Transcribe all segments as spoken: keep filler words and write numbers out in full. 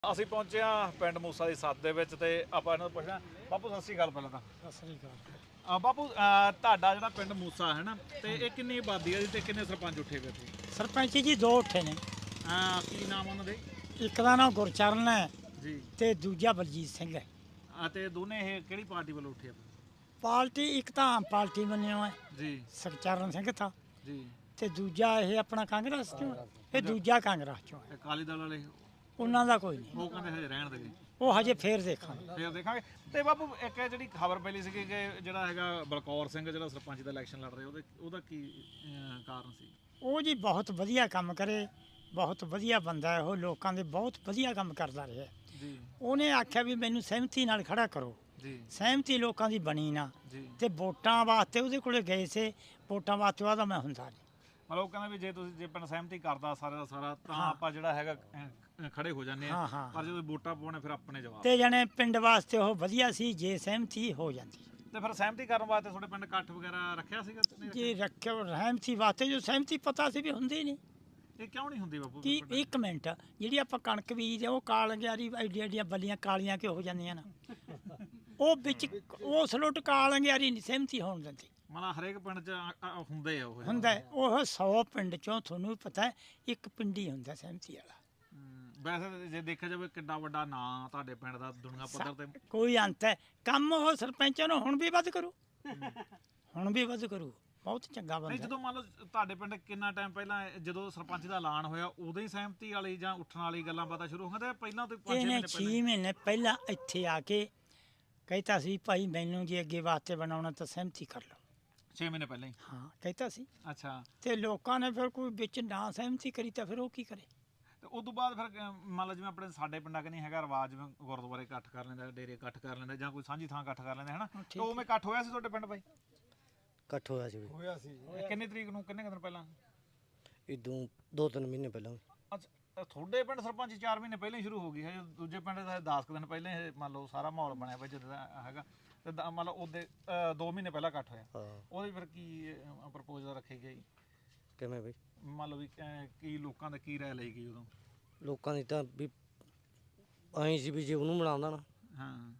ਅਸੀਂ ਪਹੁੰਚੇ ਹਾਂ ਪਿੰਡ ਮੂਸਾ ਦੀ ਸੱਤ ਦੇ ਵਿੱਚ ਤੇ ਆਪਾਂ ਇਹਨਾਂ ਨੂੰ ਪੁੱਛਣਾ ਬਾਪੂ ਸਤਿ ਸ੍ਰੀ ਅਕਾਲ ਪਹਿਲਾਂ ਤਾਂ ਸਤਿ ਸ੍ਰੀ ਅਕਾਲ। ਆ ਬਾਪੂ ਅਹ ਤੁਹਾਡਾ ਜਿਹੜਾ ਪਿੰਡ ਮੂਸਾ ਹੈ ਨਾ ਤੇ ਇਹ ਕਿੰਨੀ ਆਬਾਦੀ ਹੈ ਜੀ ਤੇ ਕਿੰਨੇ ਸਰਪੰਚ ਉੱਠੇ ਹੋਏ ਇੱਥੇ? ਸਰਪੰਚ ਜੀ ਦੋ ਉੱਠੇ ਨੇ। ਹਾਂ ਕੀ ਨਾਮ ਉਹਨਾਂ ਦੇ? ਇੱਕ ਦਾ ਨਾਮ ਗੁਰਚਰਨ ਹੈ ਜੀ ਤੇ ਦੂਜਾ ਬਲਜੀਤ ਸਿੰਘ ਹੈ। ਆ ਤੇ ਦੋਨੇ ਇਹ ਕਿਹੜੀ ਪਾਰਟੀ ਵੱਲੋਂ ਉੱਠੇ ਆ? ਪਾਰਟੀ ਇੱਕ ਤਾਂ ਆਮ ਪਾਰਟੀ ਬਣਿਆ ਹੈ ਜੀ ਸੁਖਚਰਨ ਸਿੰਘ ਥਾ ਜੀ ਤੇ ਦੂਜਾ ਇਹ ਆਪਣਾ ਕਾਂਗਰਸ ਚੋਂ ਹੈ। ਇਹ ਦੂਜਾ ਕਾਂਗਰਸ ਚੋਂ ਹੈ। ਅਕਾਲੀ ਦਲ ਵਾਲੇ ਉਹਨਾਂ ਦਾ ਕੋਈ ਨਹੀਂ, ਉਹ ਕਹਿੰਦੇ ਹਜੇ ਰਹਿਣ ਦੇਗੇ, ਉਹ ਹਜੇ ਫੇਰ ਦੇਖਾਂਗੇ। ਫੇਰ ਦੇਖਾਂਗੇ। ਤੇ ਬਾਪੂ ਇੱਕ ਇਹ ਜਿਹੜੀ ਖਬਰ ਪਹਿਲੀ ਸੀ ਕਿ ਜਿਹੜਾ ਹੈਗਾ ਬਲਕੌਰ ਸਿੰਘ ਜਿਹੜਾ ਸਰਪੰਚ ਦਾ ਇਲੈਕਸ਼ਨ ਲੜ ਰਿਹਾ ਉਹਦੇ ਉਹਦਾ ਕੀ ਅਹ, ਕਾਰਨ ਸੀ? ਉਹ ਜੀ ਬਹੁਤ ਵਧੀਆ ਕੰਮ ਕਰੇ, ਬਹੁਤ ਵਧੀਆ ਬੰਦਾ ਹੈ ਉਹ, ਲੋਕਾਂ ਦੇ ਬਹੁਤ ਵਧੀਆ ਕੰਮ ਕਰਦਾ ਰਿਹਾ। ਜੀ ਉਹਨੇ ਆਖਿਆ ਵੀ ਮੈਨੂੰ ਸਹਿਮਤੀ ਨਾਲ ਖੜਾ ਕਰੋ, ਜੀ ਸਹਿਮਤੀ ਲੋਕਾਂ ਦੀ ਬਣੀ ਨਾ ਜੀ ਤੇ ਵੋਟਾਂ ਵਾਸਤੇ ਉਹਦੇ ਕੋਲੇ ਗਏ ਸੀ, ਵੋਟਾਂ ਵਾਸਤੇ ਉਹਦਾ ਮੈਂ ਹੁੰਦਾ ਨਹੀਂ। ਮਤਲਬ ਉਹ ਕਹਿੰਦਾ ਵੀ ਜੇ ਤੁਸੀਂ ਜੇ ਪਿੰਡ ਸਹਿਮਤੀ ਕਰਦਾ ਸਾਰਾ ਦਾ ਸਾਰਾ ਤਾਂ ਹਾਂ। ਆਪਾਂ ਜਿਹੜਾ ਹੈਗਾ ਅਹ, ਖੜੇ ਹੋ ਜਾਂਦੇ ਆ। ਹਾਂ, ਹਾਂ। ਪਰ ਜਦੋਂ ਵੋਟਾਂ ਪਾਉਣੇ ਫਿਰ ਆਪਣੇ ਜਵਾਬ। ਤੇ ਜਣੇ ਪਿੰਡ ਵਾਸਤੇ ਉਹ ਵਧੀਆ ਸੀ ਜੇ ਸਹਿਮਤੀ ਹੋ ਜਾਂਦੀ। ਤੇ ਫਿਰ ਸਹਿਮਤੀ ਕਰਨ ਵਾਸਤੇ ਤੁਹਾਡੇ ਪਿੰਡ ਇਕੱਠ ਵਗੈਰਾ ਰੱਖਿਆ ਸੀਗਾ ਕਿ ਨਹੀਂ ਜੇ ਰੱਖਿਓ ਸਹਿਮਤੀ ਵਾਸਤੇ, ਜੋ ਸਹਿਮਤੀ ਪਤਾ ਸੀ ਵੀ ਹੁੰਦੀ ਨਹੀਂ। ਰੱਖਿਆ? ਇਹ ਕਿਉਂ ਨਹੀਂ ਹੁੰਦੀ ਬਾਪੂ ਕਿ ਪਿੰਡ? ਇੱਕ ਮਿੰਟ, ਜਿਹੜੀ ਆਪਾਂ ਕਣਕ ਬੀਜਦੇ ਉਹ ਕਾਲ ਗਿਆਰੀ ਐਡੀਆਂ ਐਡੀਆਂ ਬੱਲੀਆਂ ਕਾਲੀਆਂ ਕਿ ਹੋ ਜਾਂਦੀਆਂ ਨਾ, ਉਹ ਵਿੱਚ ਉਹ ਸਲੁੱਟ ਕਾਲ ਗਿਆਰੀ ਨਹੀਂ ਸਹਿਮਤੀ ਹੋਣ ਦਿੰਦੀ। ਮਤਲਬ ਹਰੇਕ ਪਿੰਡ 'ਚ ਆ- ਆ ਹੁੰਦੇ ਆ ਉਹ ਹੁੰਦਾ ਹੈ, ਉਹ ਸੌ ਪਿੰਡ ਚੋਂ ਤੁਹਾਨੂੰ ਵੀ ਪਤਾ ਹੈ ਇੱਕ ਪਿੰਡੀ ਹੁੰਦਾ ਸਹਿਮਤੀ ਵਾਲਾ। ਹਮ, ਵੈਸੇ ਜੇ ਦੇਖਿਆ ਜਾਵੇ ਕਿੰਨਾ ਵੱਡਾ ਨਾਂ ਤੁਹਾਡੇ ਪਿੰਡ ਦਾ ਦੁਨੀਆ ਪੱਧਰ ਤੇ। ਕੋਈ ਅੰਤ ਹੈ, ਕੰਮ ਉਹ ਸਰਪੰਚਾਂ ਨੂੰ ਹੁਣ ਵੀ ਵੱਧ ਕਰੂ, ਹੁਣ ਵੀ ਵੱਧ ਕਰੂ, ਬਹੁਤ ਚੰਗਾ ਨਹੀਂ ਬੰਦਾ। ਜਦੋਂ ਮੰਨ ਲਓ ਤੁਹਾਡੇ ਪਿੰਡ ਕਿੰਨਾ ਟਾਈਮ ਪਹਿਲਾਂ ਜਦੋਂ ਸਰਪੰਚ ਦਾ ਐਲਾਨ ਹੋਇਆ ਉਦੋਂ ਹੀ ਸਹਿਮਤੀ ਵਾਲੀ ਜਾਂ ਉੱਠਣ ਵਾਲੀ ਗੱਲਾਂ ਬਾਤਾਂ ਸ਼ੁਰੂ ਹੋ ਗਈਆਂ ਤੇ ਪਹਿਲਾਂ ਤੋਂ ਪੰਜ ਛੇ ਇਹਨੇ ਮਹੀਨੇ ਪਹਿਲਾਂ? ਛੇ ਮਹੀਨੇ ਪਹਿਲਾਂ ਇੱਥੇ ਆ ਕੇ ਕਹਿਤਾ ਸੀ ਭਾਈ ਮੈਨੂੰ ਜੇ ਅੱਗੇ ਵਾਸਤੇ ਬਣਾਉਣਾ ਤਾਂ ਸਹਿਮਤੀ ਕਰ ਲਓ। ਛੇ ਮਹੀਨੇ ਪਹਿਲਾਂ ਹੀ? ਹਾਂ ਕਹਿਤਾ ਸੀ। ਅੱਛਾ। ਤੇ ਲੋਕਾਂ ਨੇ ਫਿਰ ਕੋਈ ਵਿੱਚ ਨਾ ਸਹਿਮਤੀ ਕਰੀ ਤਾਂ ਫਿਰ ਉਹ ਕੀ ਕਰੇ? ਤੇ ਉਸ ਤੋਂ ਬਾਅਦ ਫਿਰ ਅਹ, ਮੰਨ ਲਓ ਜਿਵੇਂ ਆਪਣੇ ਸਾਡੇ ਪਿੰਡਾਂ ਕਨੀ ਹੈਗਾ ਰਿਵਾਜ, ਜਿਵੇਂ ਗੁਰਦੁਆਰੇ ਇਕੱਠ ਕਰ ਲੈਂਦਾ, ਡੇਰੇ ਇਕੱਠ ਕਰ ਲੈਂਦਾ ਜਾਂ ਕੋਈ ਸਾਂਝੀ ਥਾਂ ਇਕੱਠ ਕਰ ਲੈਂਦਾ, ਹੈਨਾ? ਹਾਂ, ਤੇ ਠੀਕ ਉਵੇਂ ਇਕੱਠ ਹੋਇਆ ਸੀ ਤੁਹਾਡੇ ਪਿੰਡ ਬਾਈ? ਇਕੱਠ ਹੋਇਆ ਸੀ ਹੋਇਆ ਸੀ। ਇਹ ਕਿੰਨੀ ਤਰੀਕ ਨੂੰ, ਕਿੰਨੇ ਕੁ ਦਿਨ ਪਹਿਲਾਂ? ਇਦੋਂ ਦੋ ਤਿੰਨ ਮਹੀਨੇ ਪਹਿਲਾਂ। ਅੱਛਾ, ਤਾਂ ਤੁਹਾਡੇ ਪਿੰਡ ਸਰਪੰਚ ਚਾਰ ਮਹੀਨੇ ਪਹਿਲਾਂ ਹੀ ਸ਼ੁਰੂ ਹੋ ਗਈ ਹੈ, ਦੂਜੇ ਪਿੰਡ ਦਾ ਦਸ ਕੁ ਦਿਨ ਪਹਿਲਾਂ ਹੀ ਮੰਨ ਲਓ ਸਾਰਾ ਮਾਹੌਲ ਬਣਿਆ ਪਿਆ ਜਦੋਂ ਦਾ ਹੈਗਾ। ਤੇ ਦ- ਮੰਨ ਲਓ ਉਹਦੇ ਅਹ, ਦੋ ਮਹੀਨੇ ਪਹਿਲਾਂ ਇਕੱਠ ਹੋਇਆ, ਹਾਂ ਉਹਦੇ ਫਿਰ ਕੀ ਪ੍ਰਪੋਜ਼ਲ ਰੱਖੀ ਗਈ? ਕਿਵੇਂ ਬਈ? ਮੰਨ ਲਓ ਵੀ ਅਹ, ਕੀ ਲੋਕਾਂ ਦਾ ਕੀ ਰਾਏ ਲਈ ਗਈ ਉਦੋਂ? ਲੋਕਾਂ ਦੀ ਤਾਂ ਵੀ ਐਂ ਸੀ ਵੀ ਜੇ ਉਹਨੂੰ ਬਣਾਉਂਦਾ ਨਾ ਹਾਂ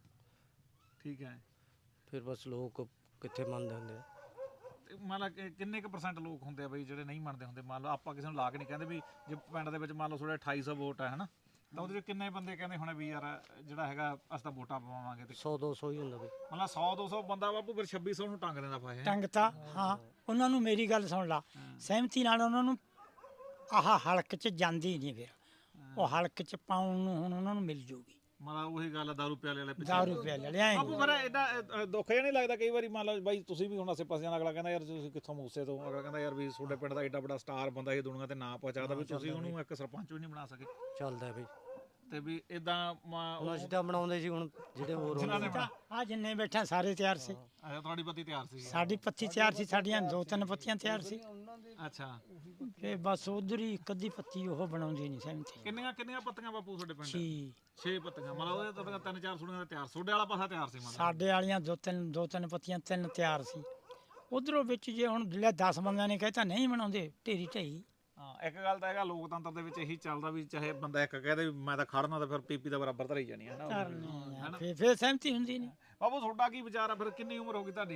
ਠੀਕ ਹੈ। ਫਿਰ ਬਸ ਲੋਕ ਕਿੱਥੇ ਮੰਨਦੇ ਹੁੰਦੇ ਆ। ਤੇ ਮੰਨ ਲਾ ਕਿ ਕਿੰਨੇ ਕੁ ਪਰਸੈਂਟ ਲੋਕ ਹੁੰਦੇ ਆ ਬਈ ਜਿਹੜੇ ਨਹੀਂ ਮੰਨਦੇ ਹੁੰਦੇ? ਮੰਨ ਲਓ ਆਪਾਂ ਕਿਸੇ ਨੂੰ ਲਾ ਕੇ ਨਹੀਂ ਕਹਿੰਦੇ ਵੀ ਜੇ ਪਿੰਡ ਦੇ ਵਿੱਚ ਮੰਨ ਲਓ ਤੁਹਾਡੇ ਅਠਾਈ ਸੌ ਵੋਟ ਹੈ ਹਨਾ, ਤਾਂ ਉਹਦੇ ਵਿੱਚ ਕਿੰਨੇ ਬੰਦੇ ਕਹਿੰਦੇ ਹੋਣੇ ਵੀ ਯਾਰ ਜਿਹੜਾ ਹੈਗਾ ਅਸੀਂ ਤਾਂ ਵੋਟਾਂ ਪਵਾਵਾਂਗੇ? ਤੇ ਸੌ ਦੋ ਸੌ ਹੀ ਹੁੰਦਾ ਬਈ। ਮਤਲਬ ਸੌ ਦੋ ਸੌ ਬੰਦਾ ਬਾਪੂ ਫਿਰ ਛੱਬੀ ਸੌ ਨੂੰ ਟੰਗ ਦਿੰਦਾ ਫਾਹੇ। ਟੰਗਤਾ। ਹਾਂ, ਉਹਨਾਂ ਨੂੰ ਮੇਰੀ ਗੱਲ ਸੁਣ ਲਾ, ਸਹਿਮਤੀ ਨਾਲ ਉਹਨਾਂ ਨੂੰ ਆਹ ਹਲਕ 'ਚ ਜਾਂਦੀ ਨਹੀਂ, ਫਿਰ ਉਹ ਹਲਕ 'ਚ ਪਾਉਣ ਨੂੰ ਹੁਣ ਉਹਨਾਂ ਨੂੰ ਮਿਲ ਜੂਗੀ। ਮਤਲਬ ਉਹੀ ਗੱਲ ਆ ਦਾਰੂ ਪਿਆਲੇ ਵਾਲੇ ਪਿੱਛੇ। ਦਸ ਰੁਪਏ ਲੈ ਲਿਆ ਬਾਪੂ ਫਿਰ ਇਹਦਾ ਦੁੱਖ ਜਿਹਾ ਨਹੀਂ ਲੱਗਦਾ ਕਈ ਵਾਰੀ? ਮੰਨ ਲਓ ਬਾਈ ਤੁਸੀਂ ਵੀ ਹੁਣ ਆਸੇ ਪਾਸੇ ਦਾ, ਅਗਲਾ ਕਹਿੰਦਾ ਯਾਰ ਤੁਸੀਂ ਕਿੱਥੋਂ ਮੂਸੇ ਤੋਂ, ਅਗਲਾ ਕਹਿੰਦਾ ਯਾਰ ਵੀ ਤੁਹਾਡੇ ਪਿੰਡ ਦਾ ਏਡਾ ਵੱਡਾ ਸਟਾਰ ਬੰਦਾ ਇਹ ਦੁਨੀਆ ਤੇ ਨਾਂ ਪਹੁੰਚਾਦਾ ਵੀ ਤੁਸੀਂ ਉਹਨੂੰ ਇੱਕ ਸਰਪੰਚ ਵੀ ਨਹੀਂ ਬਣਾ ਸਕੇ। ਚੱਲਦਾ ਬਈ। ਤੇ ਵੀ ਇਦਾਂ ਹੁਣ ਅਸੀਂ ਤਾਂ ਬਣਾਉਂਦੇ ਸੀ, ਹੁਣ ਜਿਹੜੇ ਹੋਰ ਹੁੰਦੇ ਤਾਂ ਆ ਜਿੰਨੇ ਬੈਠਾ ਸਾਰੇ ਤਿਆਰ ਸੀ, ਅੱਛਾ ਤੁਹਾਡੀ ਪੱਤੀ ਤਿਆਰ ਸੀ? ਸਾਡੀ ਪੱਤੀ ਤਿਆਰ ਸੀ, ਸਾਡੀਆਂ ਦੋ ਤਿੰਨ ਪੱਤੀਆਂ ਤਿਆਰ ਸੀ, ਅੱਛਾ। ਤੇ ਬਸ ਉਧਰ ਹੀ ਇੱਕ ਅੱਧੀ ਪੱਤੀ ਉਹ ਬਣਾਉਂਦੀ ਨਹੀਂ ਸਹਿਮਤੀ। ਕਿੰਨੀਆਂ ਕਿੰਨੀਆਂ ਪੱਤੀਆਂ ਬਾਪੂ ਤੁਹਾਡੇ ਪਿੰਡ? ਛੀ ਛੇ ਪੱਤੀਆਂ। ਮਤਲਬ ਉਹਦੇ ਤਾਂ ਤਿੰਨ ਚਾਰ ਸੁਣੀਆਂ ਦਾ ਤਿਆਰ, ਤੁਹਾਡੇ ਵਾਲਾ ਪਾਸਾ ਤਿਆਰ ਸੀ ਮਤਲਬ? ਸਾਡੇ ਵਾਲੀਆਂ ਦੋ ਤਿੰਨ ਦੋ ਤਿੰਨ ਪੱਤੀਆਂ ਤਿੰਨ ਤਿਆਰ ਸੀ। ਉਧਰੋਂ ਵਿੱਚ ਜੇ ਹੁਣ ਲੈ ਦਸ ਬੰਦਿਆਂ ਨੇ ਕਹਿਤਾ ਨਹੀਂ ਬਣਾਉਂਦੇ, ਢੇਰੀ ਢਈ। ਹਾਂ ਇੱਕ ਗੱਲ ਤਾਂ ਹੈਗਾ ਲੋਕਤੰਤਰ ਦੇ ਵਿੱਚ ਇਹੀ ਚੱਲਦਾ ਵੀ ਚਾਹੇ ਬੰਦਾ ਇੱਕ ਕਹਦੇ ਵੀ ਮੈਂ ਤਾਂ ਖੜਨਾ ਤਾਂ ਫਿਰ ਪੀਪੀ ਦਾ ਬਰਾਬਰ ਧਰੀ ਜਾਣੀ ਹੈ ਨਾ। ਫਿਰ ਫਿਰ ਸਹਿਮਤੀ ਹੁੰਦੀ ਨਹੀਂ। ਬਾਬੂ ਤੁਹਾਡਾ ਕੀ ਵਿਚਾਰ ਆ ਫਿਰ? ਕਿੰਨੀ ਉਮਰ ਹੋ ਗਈ ਤੁਹਾਡੀ?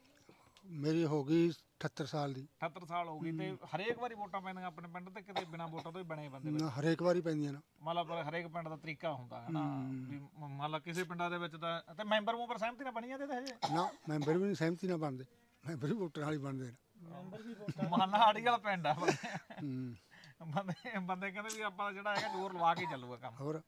ਮੇਰੀ ਹੋ ਗਈ ਅਠੱਤਰ ਸਾਲ ਦੀ। ਅਠੱਤਰ ਸਾਲ ਹੋ ਗਈ। ਤੇ ਹਰੇਕ ਵਾਰੀ ਵੋਟਾਂ ਪੈਂਦੀਆਂ ਆਪਣੇ ਪਿੰਡ ਤੇ ਕਿਤੇ ਬਿਨਾਂ ਵੋਟਾਂ ਤੋਂ ਹੀ ਬਣੇ ਬੰਦੇ ਵਿੱਚ? ਨਾ ਹਰੇਕ ਵਾਰੀ ਪੈਂਦੀਆਂ ਨਾ। ਮਤਲਬ ਹਰੇਕ ਪਿੰਡ ਦਾ ਤਰੀਕਾ ਹੁੰਦਾ ਹੈ ਨਾ ਵੀ ਮ- ਮੰਨ ਲਾ ਕਿਸੇ ਪਿੰਡਾਂ ਦੇ ਵਿੱਚ ਤਾਂ ਤੇ ਮੈਂਬਰ ਮੂੰਬਰ ਸਹਿਮਤੀ ਨਾਲ ਬਣੀ ਜਾਂਦੇ ਤਾਂ ਹਜੇ? ਨਾ ਮੈਂਬਰ ਵੀ ਨਹੀਂ ਸਹਿਮਤੀ ਨਾਲ ਬਣਦੇ, ਮੈਂਬਰ ਵੀ ਵੋਟਰ ਨਾਲ ਹੀ ਬਣਦੇ ਨੇ। ਮੰਨ ਲਾ ਆੜੀ ਵਾਲਾ ਪਿੰਡ ਆ ਹੂੰ। ਬੰਦੇ ਬੰਦੇ ਕਹਿੰਦੇ ਵੀ ਆਪਾਂ ਜਿਹੜਾ ਹੈਗਾ ਜ਼ੋਰ ਲਵਾ ਕੇ ਚੱਲੂਗਾ ਕੰਮ। ਹੋਰ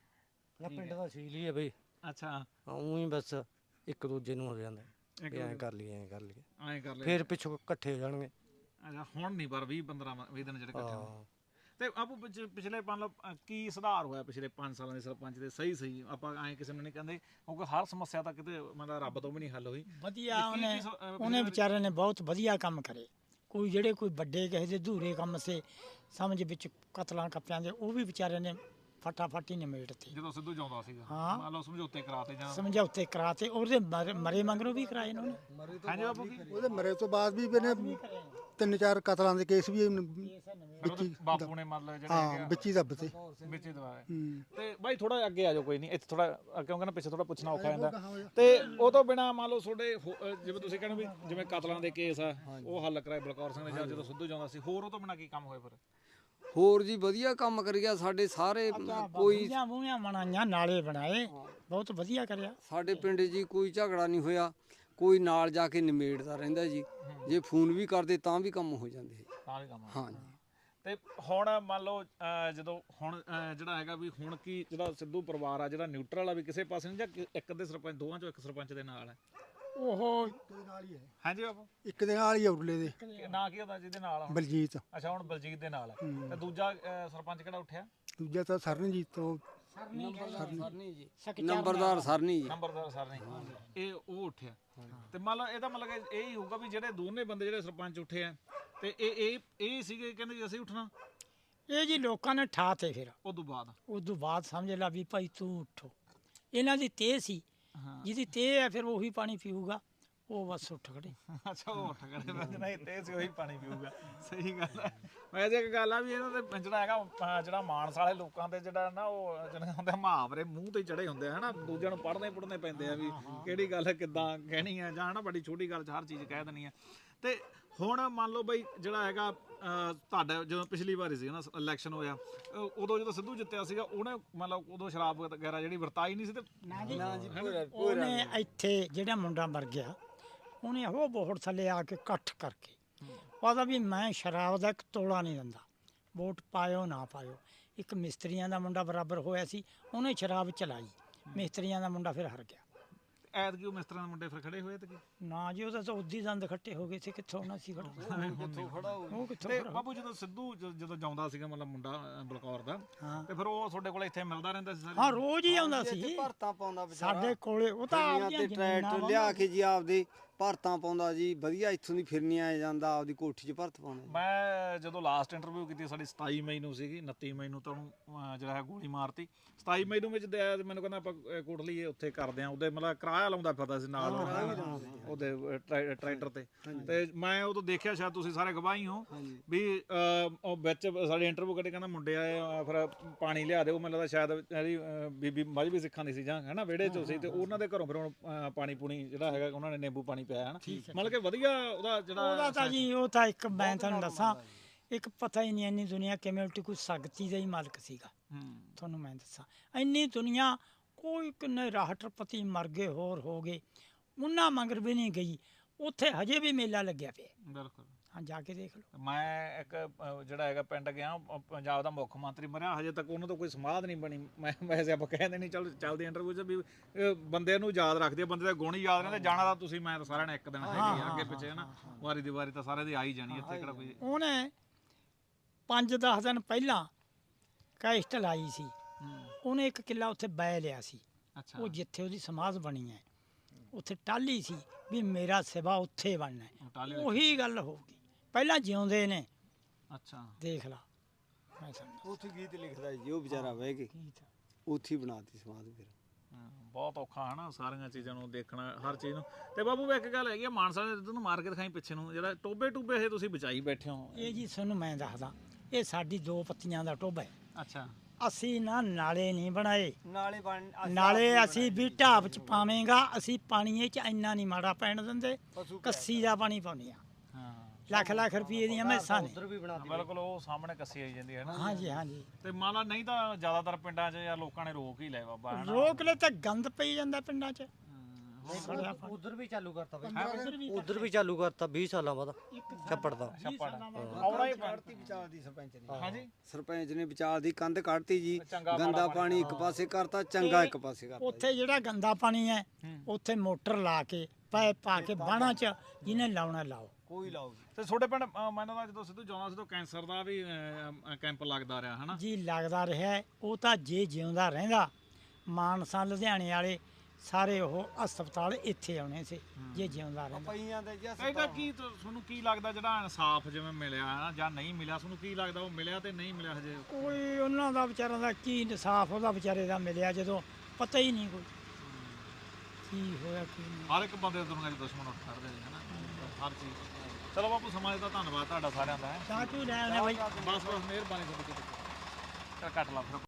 ਨਾ ਪਿੰਡ ਦਾ ਸੀਲ ਹੀ ਆ ਬਈ। ਅੱਛਾ ਉਂ ਹੀ ਬਸ ਇੱਕ ਦੂਜੇ ਨੂੰ ਹੋ ਜਾਂਦਾ ਵੀ ਐਂ ਕਰ ਲਈਏ ਐਂ ਕਰ ਲਈਏ, ਐਂ ਕਰ ਲੈ। ਫਿਰ ਪਿੱਛੋਂ ਇਕੱਠੇ ਹੋ ਜਾਣਗੇ। ਅੱਛਾ ਹੁਣ ਨਹੀਂ ਪਰ ਵੀਹ ਪੰਦਰਾਂ ਵੀਹ ਦਿਨ ਜਿਹੜੇ ਇਕੱਠੇ ਹੋਏ। ਹਾਂ ਤੇ ਆਪੂ ਪਿਛ- ਪਿਛਲੇ ਮੰਨ ਲਓ ਅ, ਕੀ ਸੁਧਾਰ ਹੋਇਆ ਪਿਛਲੇ ਪੰਜ ਸਾਲਾਂ ਦੇ ਸਰਪੰਚ ਦੇ? ਸਹੀ ਸਹੀ ਆਪਾਂ ਐਂ ਕਿਸੇ ਨੂੰ ਨਹੀਂ ਕਹਿੰਦੇ ਕਿਉਂਕਿ ਹਰ ਸਮੱਸਿਆ ਤਾਂ ਕਿਤੇ ਮਤਲਬ ਰੱਬ ਤੋਂ ਵੀ ਨਹੀਂ ਹੱਲ ਹੋਈ। ਵਧੀਆ ਕੀ- ਉਹਨੇ ਕੀ ਸ- ਅਹ ਉਹਨੇ ਵਿਚਾਰੇ ਨੇ ਬਹੁਤ ਵਧੀਆ ਕੰਮ ਕਰੇ। ਕੋਈ ਜਿਹੜੇ ਕੋਈ ਵੱਡੇ ਕਿਸੇ ਦੇ ਅਧੂਰੇ ਕੰਮ ਸੇ ਸਮਝ ਵਿੱਚ ਕਤਲਾਂ ਕੱਪਿਆਂ ਦੇ, ਉਹ ਵੀ ਵਿਚਾਰੇ ਨੇ ਫਟਾਫਟ ਹੀ ਨਿਮੇੜ ਤੇ ਜਦੋਂ ਸਿੱਧੂ ਜਾਉਂਦਾ ਸੀਗਾ ਹਾਂ। ਮੰਨ ਲਓ ਸਮਝੌਤੇ ਕਰਾਤੇ ਜਾਂ ਸਮਝੌਤੇ ਕਰਾਤੇ ਉਹਦੇ ਮਰ- ਮਰੇ ਮੰਗਰੋਂ ਵੀ ਕਰਾਏ ਇਹਨਾਂ ਨੇ ਹਾਂਜੀ ਬਾਪੂ ਕੀ ਉਹਦੇ ਮਰੇ ਤੋਂ ਬਾਅਦ ਵੀ ਇਹਨੇ ਤਿੰਨ ਚਾਰ ਕਤਲਾਂ ਦੇ ਕੇਸ ਵੀ ਇਹਨੇ ਫਿਰ ਉਹਦੇ ਬਾਪੂ ਨੇ ਮਤਲਬ ਜਿਹੜੇ ਹਾਂ ਹੈਗੇ ਵਿੱਚ ਹੀ ਦੱਬ ਤੇ ਆ, ਵਿੱਚ ਹੀ ਦਵਾਇਆ ਹੂੰ ਤੇ ਬਾਈ ਥੋੜਾ ਅੱਗੇ ਆ ਜਾਓ ਕੋਈ ਨਹੀਂ ਇੱਥੇ ਥੋੜਾ ਕਿਉਂਕਿ ਨਾ ਪਿੱਛੇ ਥੋੜਾ ਪੁੱਛਣਾ ਔਖਾ ਜਾਂਦਾ ਤੇ ਉਹ ਤੋਂ ਬਿਨਾ ਮੰਨ ਲਓ ਤੁਹਾਡੇ ਹੋ- ਅ, ਜਿਵੇਂ ਤੁਸੀਂ ਕਹਿੰਦੇ ਵੀ ਜਿਵੇਂ ਕਤਲਾਂ ਦੇ ਕੇਸ ਆ ਉਹ ਹੱਲ ਕਰਾਏ ਬਲਕੌਰ ਸਿੰਘ ਨੇ ਜਾਂ ਜਦੋਂ ਸਿੱਧੂ ਜਾਂਦਾ ਸੀ ਹੋਰ ਉਹ ਤੋਂ ਬਿਨਾ ਕੀ ਕੰਮ ਹੋਏ ਫਿਰ ਹੋਰ ਜੀ ਵਧੀਆ ਕੰਮ ਕਰ ਗਿਆ ਸਾਡੇ ਸਾਰੇ ਕੋਈ ਬੂਹੀਆਂ ਬੂਹੀਆਂ ਬਣਾਈਆਂ ਨਾਲੇ ਬਣਾਏ ਬਹੁਤ ਵਧੀਆ ਕਰਿਆ ਸਾਡੇ ਪਿੰਡ ਜੀ ਕੋਈ ਝਗੜਾ ਨਹੀਂ ਹੋਇਆ ਕੋਈ ਨਾਲ ਜਾ ਕੇ ਨਿਮੇੜਦਾ ਰਹਿੰਦਾ ਜੀ ਜੇ ਫੋਨ ਵੀ ਕਰਦੇ ਤਾਂ ਵੀ ਕੰਮ ਹੋ ਜਾਂਦੇ ਤਾਂ ਵੀ ਕੰਮ ਆ। ਹਾਂ ਜੀ ਤੇ ਹੁਣ ਮੰਨ ਲਓ ਅ, ਜਦੋਂ ਹੁਣ ਅ, ਜਿਹੜਾ ਹੈਗਾ ਵੀ ਹੁਣ ਕੀ ਜਿਹੜਾ ਸਿੱਧੂ ਪਰਿਵਾਰ ਆ ਜਿਹੜਾ ਨਿਊਟਰਲ ਆ ਵੀ ਕਿਸੇ ਪਾਸੇ ਨਹੀਂ ਜਾਂ ਕਿ- ਇੱਕ ਦੇ ਸਰਪੰਚ ਦੋਵਾਂ ਚੋਂ ਇੱਕ ਸਰਪੰਚ ਦੇ ਨਾਲ ਹੈ ਉਹ ਨਾਲ ਹੀ ਹੈ ਹਾਂਜੀ ਬਾਪੂ ਇੱਕ ਦੇ ਨਾਲ ਹੀ ਆ ਉਰਲੇ ਦੇ ਕੀ- ਨਾਂ ਕੀ ਹੁੰਦਾ ਜਿਹਦੇ ਨਾਲ ਆ ਹੁਣ? ਬਲਜੀਤ ਅੱਛਾ ਹੁਣ ਬਲਜੀਤ ਦੇ ਨਾਲ ਹੈ ਤੇ ਦੂਜਾ ਅ, ਸਰਪੰਚ ਕਿਹੜਾ ਉੱਠਿਆ ਦੂਜਾ ਤਾਂ ਸਰਨਜੀਤ ਤੋਂ ਸਰਨੀ ਜੀ ਸਕਚਰ ਨੰਬਰਦਾਰ ਸਰਨੀ ਜੀ ਨੰਬਰਦਾਰ ਸਰ ਨੇ ਇਹ ਉਹ ਉੱਠਿਆ ਤੇ ਮੰਨ ਲਓ ਇਹਦਾ ਮਤਲਬ ਕਿ ਇਹ ਹੀ ਹੋਊਗਾ ਵੀ ਜਿਹੜੇ ਦੋਨੇ ਬੰਦੇ ਜਿਹੜੇ ਸਰਪੰਚ ਉੱਠੇ ਆ ਤੇ ਇਹ ਇਹ ਇਹ ਸੀਗੇ ਕਹਿੰਦੇ ਜੀ ਅਸੀਂ ਉੱਠਣਾ ਇਹ ਜੀ ਲੋਕਾਂ ਨੇ ਠਾ ਤੇ ਫਿਰ ਉਸ ਤੋਂ ਬਾਅਦ ਉਸ ਤੋਂ ਬਾਅਦ ਸਮਝ ਲਾ ਵੀ ਭਾਈ ਤੂੰ ਉੱਠੋ ਇਹਨਾਂ ਦੀ ਤੇਹ ਸੀ ਹਾਂ ਜਿਹਦੀ ਤੇਹ ਹੈ ਫਿਰ ਉਹੀ ਪਾਣੀ ਪੀਊਗਾ ਉਹ ਬਸ ਉੱਠ ਖੜੇ ਅੱਛਾ ਉਹ ਉੱਠ ਗਏ ਮੈਂ ਨਹੀਂ ਤੇ ਸੀ ਉਹੀ ਪਾਣੀ ਪੀਊਗਾ ਸਹੀ ਗੱਲ ਹੈ ਮੈਂ ਜੇ ਇੱਕ ਗੱਲ ਆ ਵੀ ਇਹਨਾਂ ਦੇ ਜਿਹੜਾ ਹੈਗਾ ਅਹ ਜਿਹੜਾ ਮਾਨਸ ਵਾਲੇ ਲੋਕਾਂ ਦੇ ਜਿਹੜਾ ਨਾ ਉਹ ਜਿਹੜੇ ਹੁੰਦੇ ਮੁਹਾਵਰੇ ਮੂੰਹ ਤੇ ਚੜੇ ਹੁੰਦੇ ਆ ਹਨਾ ਦੂਜਿਆਂ ਨੂੰ ਪੜ੍ਹਨੇ ਪੜ੍ਹਨੇ ਪੈਂਦੇ ਆ ਵੀ ਕਿਹੜੀ ਗੱਲ ਕਿੱਦਾਂ ਕਹਿਣੀ ਆ ਜਾਂ ਹਨਾ ਬੜੀ ਛੋਟੀ ਗੱਲ 'ਚ ਹਰ ਚੀਜ਼ ਕਹਿ ਦੇਣੀ ਆ ਤੇ ਹੁਣ ਮੰਨ ਲਓ ਬਈ ਜਿਹੜਾ ਹੈਗਾ ਅਹ ਤੁਹਾਡਾ ਜਦੋਂ ਪਿਛਲੀ ਵਾਰੀ ਸੀ ਨਾ ਇਲੈਕਸ਼ਨ ਹੋਇਆ ਅਹ ਉਦੋਂ ਜਦੋਂ ਸਿੱਧੂ ਜਿੱਤਿਆ ਸੀਗਾ ਉਹਨੇ ਮੰਨ ਲਓ ਉਦੋਂ ਸ਼ਰਾਬ ਵਗੈਰਾ ਜਿਹੜੀ ਵਰਤਾਈ ਨਹੀਂ ਸੀ ਤੇ ਨਾ ਜੀ ਉਹਨੇ ਇੱਥੇ ਜਿਹੜਾ ਮੁੰਡਾ ਮਰ ਗਿਆ ਉਹਨੇ ਉਹ ਬੋਹੜ ਥੱਲੇ ਆ ਕੇ ਇਕੱਠ ਕਰਕੇ ਉਹਦਾ ਵੀ ਮੈਂ ਸ਼ਰਾਬ ਦਾ ਇੱਕ ਤੋਲਾ ਨਹੀਂ ਦਿੰਦਾ ਵੋਟ ਪਾਇਓ ਨਾ ਪਾਇਓ ਇੱਕ ਮਿਸਤਰੀਆਂ ਦਾ ਮੁੰਡਾ ਬਰਾਬਰ ਹੋਇਆ ਸੀ ਉਹਨੇ ਸ਼ਰਾਬ ਚਲਾਈ ਮਿਸਤਰੀਆਂ ਦਾ ਮੁੰਡਾ ਫਿਰ ਹਾਰ ਗਿਆ ਐਤਕੀ ਉਹ ਮਿਸਤਰਾਂ ਦੇ ਮੁੰਡੇ ਫਿਰ ਖੜੇ ਹੋਏ ਤੇ ਕੀ ਨਾ ਜੀ ਉਹਦਾ ਤਾਂ ਉਦੀ ਦੰਦ ਖੱਟੇ ਹੋ ਗਏ ਸੀ ਕਿੱਥੋਂ ਨਾ ਸੀ ਖੜਾ ਉਹ ਕਿੱਥੋਂ ਤੇ ਖੜਾ ਬਾਬੂ ਜਦੋਂ ਸਿੱਧੂ ਜ- ਜਦੋਂ ਜਾਉਂਦਾ ਸੀਗਾ ਮਤਲਬ ਮੁੰਡਾ ਅਹ, ਬਲਕੌਰ ਦਾ ਹਾਂ ਤੇ ਫਿਰ ਉਹ ਤੁਹਾਡੇ ਕੋਲ ਇੱਥੇ ਮਿਲਦਾ ਰਹਿੰਦਾ ਸੀ ਹਾਂ ਰੋਜ਼ ਹੀ ਆਉਂਦਾ ਸੀ ਭਰਤਾਂ ਪਾਉਂਦਾ ਵਿਚਾਰਾ ਸਾਡੇ ਕੋਲੇ ਉਹ ਤਾਂ ਫਿਰਨੀਆਂ ਆਪਦੀਆਂ ਤੇ ਜ਼ਮੀਨਾਂ ਟਰੈਕਟਰ ਵਾਂਗੂ- ਲਿਆ ਕੇ ਜੀ ਆਪਦੇ ਭਰਤਾਂ ਪਾਉਂਦਾ ਜੀ ਵਧੀਆ ਇੱਥੋਂ ਦੀ ਫਿਰਨੀਆਂ ਜਾਂਦਾ ਆਪਦੀ ਕੋਠੀ 'ਚ ਭਰਤ ਪਾਉਂਦਾ ਜੀ। ਮੈਂ ਜਦੋਂ ਲਾਸਟ ਇੰਟਰਵਿਊ ਕੀਤੀ ਸਾਡੀ ਸਤਾਈ ਮਈ ਨੂੰ ਸੀਗੀ ਉਨੱਤੀ ਮਈ ਨੂੰ ਤਾਂ ਉਹਨੂੰ ਅਹ, ਜਿਹੜਾ ਹੈ ਗੋਲੀ ਮਾਰਤੀ ਸਤਾਈ ਮਈ ਨੂੰ ਵਿੱਚ ਦੇ- ਮੈਨੂੰ ਕਹਿੰਦਾ ਆਪਾਂ ਅਹ, ਕੋਟਲੀ ਉੱਥੇ ਕਰਦੇ ਆ ਉਹਦੇ ਮਤਲਬ ਕਿਰਾਇਆ ਲਾਉਂਦਾ ਫਿਰਦਾ ਸੀ ਨਾਲ ਉਹਦੇ ਅਹ, ਟਰੈ- ਟਰੈਕਟਰ ਤੇ ਤੇ ਮੈਂ ਉਦੋਂ ਦੇਖਿਆ ਸ਼ਾਇਦ ਤੁਸੀਂ ਸਾਰੇ ਗਵਾਹੀ ਹੋ ਵੀ ਅਹ, ਉਹ ਵਿੱਚ ਸਾਡੇ ਇੰਟਰਵਿਊ ਕੱਢੇ ਕਹਿੰਦਾ ਮੁੰਡੇ ਆਏ ਅਹ, ਫਿਰ ਪਾਣੀ ਲਿਆ ਦੇ ਉਹ ਮੈਨੂੰ ਲੱਗਦਾ ਸ਼ਾਇਦ ਇਹਦੀ ਅਹ, ਬੀਬੀ ਮਜਬੀ ਸਿੱਖਾਂ ਦੀ ਸੀ ਜਾਂ ਹਨਾ ਵਿਹੜੇ ਚ ਸੀ ਤੇ ਉਹਨਾਂ ਦੇ ਘਰੋਂ ਫਿਰ ਹੁਣ ਅਹ, ਪਾਣੀ ਪੂਣੀ ਜਿਹੜਾ ਹੈਗਾ ਉਹਨਾਂ ਨੇ ਨਿੰਬੂ ਪਾਣੀ ਪਿਆ ਹਨਾ ਮਤਲਬ ਕਿ ਵਧੀਆ ਉਹਦਾ ਜਿਹੜਾ ਉਹਦਾ ਤਾਂ ਜੀ ਉਹ ਤਾਂ ਇੱਕ ਮੈਂ ਤੁਹਾਨੂੰ ਦੱਸਾਂ ਇੱਕ ਪਤਾ ਹੀ ਨਹੀਂ ਇੰਨੀ ਦੁਨੀਆ ਕਿਵੇਂ ਉਲਟੀ ਕੋਈ ਸ਼ਕਤੀ ਦਾ ਹੀ ਮਾਲਕ ਸੀਗਾ ਹੂੰ ਤੁਹਾਨੂੰ ਮੈਂ ਦੱਸਾਂ ਇੰਨੀ ਦੁਨੀਆ ਕੋਈ ਕਿੰਨੇ ਰਾਸ਼ਟਰਪਤੀ ਮਰ ਗਏ ਹੋਰ ਹੋ ਗਏ ਉਹਨਾਂ ਮੰਗਰ ਵੀ ਨਹੀਂ ਗਈ ਉੱਥੇ ਹਜੇ ਵੀ ਮੇਲਾ ਲੱਗਿਆ ਪਿਆ ਬਿਲਕੁਲ ਹਾਂ ਜਾ ਕੇ ਦੇਖ ਲਓ ਮੈਂ ਇੱਕ ਅਹ, ਜਿਹੜਾ ਹੈਗਾ ਪਿੰਡ ਗਿਆ ਅਹ, ਪੰਜਾਬ ਦਾ ਮੁੱਖ ਮੰਤਰੀ ਮਰਿਆ ਹਜੇ ਤੱਕ ਉਹਨਾਂ ਤੋਂ ਕੋਈ ਸਮਾਧ ਨਹੀਂ ਬਣੀ ਮੈਂ ਵੈਸੇ ਆਪਾਂ ਕਹਿੰਦੇ ਨਹੀਂ ਚੱਲ ਚੱਲਦੇ ਇੰਟਰਵਿਊ 'ਚ ਵੀ ਅਹ, ਬੰਦੇ ਨੂੰ ਯਾਦ ਰੱਖਦੇ ਆ ਬੰਦੇ ਦੇ ਗੁਣ ਹੀ ਯਾਦ ਰਹਿੰਦੇ ਜਾਣਾ ਤਾਂ ਤੁਸੀਂ ਮੈਂ ਤਾਂ ਸਾਰਿਆਂ ਨੇ ਇੱਕ ਦਿਨ ਹੈਗੇ ਆ, ਅੱਗੇ ਪਿੱਛੇ ਹਨਾ ਵਾਰੀ ਦੀ ਵਾਰੀ ਤਾਂ ਸਾਰਿਆਂ ਦੀ ਆ ਹੀ ਜਾਣੀ ਇੱਥੇ ਕਿਹੜਾ ਕੋਈ ਉਹਨੇ ਪੰਜ ਦਸ ਦਿਨ ਪਹਿਲਾਂ ਕੈਸਟ ਲਾਈ ਸੀ ਹੂੰ ਉਹਨੇ ਇੱਕ ਕਿੱਲਾ ਉੱਥੇ ਬੈ ਲਿਆ ਸੀ ਅੱਛਾ ਉਹ ਜਿੱਥੇ ਉਹਦੀ ਸਮਾਧ ਬਣੀ ਹੈ ਉੱਥੇ ਟਾਲੀ ਸੀ ਵੀ ਮੇਰਾ ਸਿਵਾ ਉੱਥੇ ਬਣਨਾ ਹੈ। ਉਹ ਟਾਹਲੀ ਉਹੀ ਗੱਲ ਹੋ ਗਈ ਪਹਿਲਾਂ ਜਿਉਂਦੇ ਨੇ ਅੱਛਾ ਦੇਖ ਲਾ ਮੈਂ ਸਮਝਦਾ ਉੱਥੇ ਗੀਤ ਲਿਖਦਾ ਜੀ ਉਹ ਵਿਚਾਰਾ ਬਹਿ ਕੇ ਉੱਥੇ ਹੀ ਬਣਾਤੀ ਸਮਾਧ ਫਿਰ ਹਾਂ, ਬਹੁਤ ਔਖਾ ਹਨਾ ਸਾਰੀਆਂ ਚੀਜ਼ਾਂ ਨੂੰ ਦੇਖਣਾ ਹਰ ਚੀਜ਼ ਨੂੰ ਤੇ ਬਾਬੂ ਵੀ ਇੱਕ ਗੱਲ ਹੈਗੀ ਆ ਮਾਨਸਾ ਦੇ ਤੁਹਾਨੂੰ ਮਾਰ ਕੇ ਦਿਖਾਈ ਪਿੱਛੇ ਨੂੰ ਜਿਹੜਾ ਟੋਬੇ ਟੂਬੇ ਇਹ ਤੁਸੀਂ ਬਚਾਈ ਬੈਠੇ ਹੋ ਇਹ ਜੀ ਤੁਹਾਨੂੰ ਮੈਂ ਦੱਸਦਾ ਇਹ ਸਾਡੀ ਦੋ ਪੱਤੀਆਂ ਦਾ ਟੋਭਾ ਹੈ ਅੱਛਾ ਅਸੀਂ ਨਾ ਨਾਲੇ ਨਹੀਂ ਬਣਾਏ ਨਾਲੇ ਬਣ ਨਾਲੇ ਅਸੀਂ ਵੀ ਢਾਬ ਚ ਪਾਵੇਂਗਾ ਅਸੀਂ ਪਾਣੀ ਇਹ ਚ ਇੰਨਾ ਨਹੀਂ ਮਾੜਾ ਪੈਣ ਦਿੰਦੇ ਕੱਸੀ ਦਾ ਪਾਣੀ ਪਾਉਂਦੇ ਆ ਹਾਂ ਲੱਖ ਲੱਖ ਰੁਪਏ ਦੀਆਂ ਮੈਸਾਂ ਨੇ ਬਿਲਕੁਲ ਉਹ ਸਾਹਮਣੇ ਕੱਸੀ ਆਈ ਜਾਂਦੀ ਹੈ ਨਾ ਹਾਂਜੀ ਹਾਂਜੀ ਤੇ ਮੰਨ ਲਾ ਨਹੀਂ ਤਾਂ ਜ਼ਿਆਦਾਤਰ ਪਿੰਡਾਂ 'ਚ ਜਾਂ ਲੋਕਾਂ ਨੇ ਰੋਕ ਹੀ ਲਿਆ ਬਾਬਾ ਹਨਾ ਰੋਕ ਲੈ ਤਾਂ ਗੰਦ ਪਈ ਜਾਂਦਾ ਪਿੰਡਾਂ ਚ ਸੜਿਆ ਪਾਣੀ। ਉਧਰ ਵੀ ਚਾਲੂ ਕਰਤਾ ਬਈ ਉਧਰ ਵੀ ਚਾਲੂ ਕਰਤਾ ਵੀਹ ਸਾਲਾਂ ਬਾਅਦ ਛੱਪੜ ਦਾ ਛੱਪੜ ਆਉਣਾ ਹੀ ਕੱਢਤੀ ਵਿਚਾਲ ਦੀ ਸਰਪੰਚ ਨੇ ਹਾਂਜੀ ਸਰਪੰਚ ਨੇ ਵਿਚਾਲ ਦੀ ਕੰਧ ਕੱਢਤੀ ਜੀ ਚੰਗਾ ਮਾੜਾ ਗੰਦਾ ਪਾਣੀ ਇੱਕ ਪਾਸੇ ਕਰਤਾ ਚੰਗਾ ਇੱਕ ਪਾਸੇ ਕਰਤਾ ਉੱਥੇ ਜਿਹੜਾ ਗੰਦਾ ਪਾਣੀ ਹੈ ਉੱਥੇ ਮੋਟਰ ਲਾ ਕੇ ਪਾਇਪ ਪਾ ਕੇ ਬਾਣਾ ਚ ਜਿਹਨੇ ਲਾਉਣਾ ਲਾਓ ਕੋਈ ਲਾਓ ਤੇ ਤੁਹਾਡੇ ਪਿੰਡ ਅਹ, ਮੈਨੂੰ ਤਾਂ ਜਦੋਂ ਸਿੱਧੂ ਜਾਉਂਦਾ ਸੀ ਤਾਂ ਕੈਂਸਰ ਦਾ ਵੀ ਅਹ, ਕੈਂਪ ਲੱਗਦਾ ਰਿਹਾ ਹਨਾ ਜੀ ਲੱਗਦਾ ਰਿਹਾ ਹੈ। ਉਹ ਤਾਂ ਜੇ ਜਿਉਂਦਾ ਰਹਿੰਦਾ ਮਾਨਸਾ ਲੁਧਿਆਣੇ ਵਾਲੇ ਸਾਰੇ ਉਹ ਹਸਪਤਾਲ ਇੱਥੇ ਆਉਣੇ ਸੀ ਜੇ ਜਿਉਂਦਾ ਰਹਿੰਦਾ। ਪਈਆਂ ਦੇ ਜੀ ਇਹਦਾ ਕੀ ਤੁ- ਤੁਹਾਨੂੰ ਕੀ ਲੱਗਦਾ ਜਿਹੜਾ ਇਨਸਾਫ ਜਿਵੇਂ ਮਿਲਿਆ ਹੈ ਜਾਂ ਨਹੀਂ ਮਿਲਿਆ, ਤੁਹਾਨੂੰ ਕੀ ਲੱਗਦਾ ਉਹ ਮਿਲਿਆ ਤੇ ਨਹੀਂ ਮਿਲਿਆ ਹਜੇ? ਕੋਈ ਉਹਨਾਂ ਦਾ ਵਿਚਾਰਾਂ ਦਾ ਕੀ ਇਨਸਾਫ ਉਹਦਾ ਵਿਚਾਰੇ ਦਾ ਮਿਲਿਆ ਜਦੋਂ ਪਤਾ ਹੀ ਨਹੀਂ ਕੋਈ ਕੀ ਹੋਇਆ ਕੀ ਨਹੀਂ। ਹਰ ਇੱਕ ਬੰਦੇ ਦੁਨੀਆ 'ਚ ਦੁਸ਼ਮਣ ਉੱਠ ਖੜਦੇ ਨੇ ਹਨਾ, ਹਰ ਚੀਜ਼। ਚਲੋ ਬਾਪੂ ਸਮਾਂ ਦਾ ਧੰਨਵਾਦ ਤੁਹਾਡਾ ਸਾਰਿਆਂ ਦਾ ਹੈ। ਚਾਹ ਚੂ ਲੈ ਆਉਣੇ ਬਾਈ। ਬਸ ਬਸ ਮਿਹਰਬਾਨੀ ਤੁਹਾਡੀ, ਕੱਟ ਲਾ ਫਿਰ।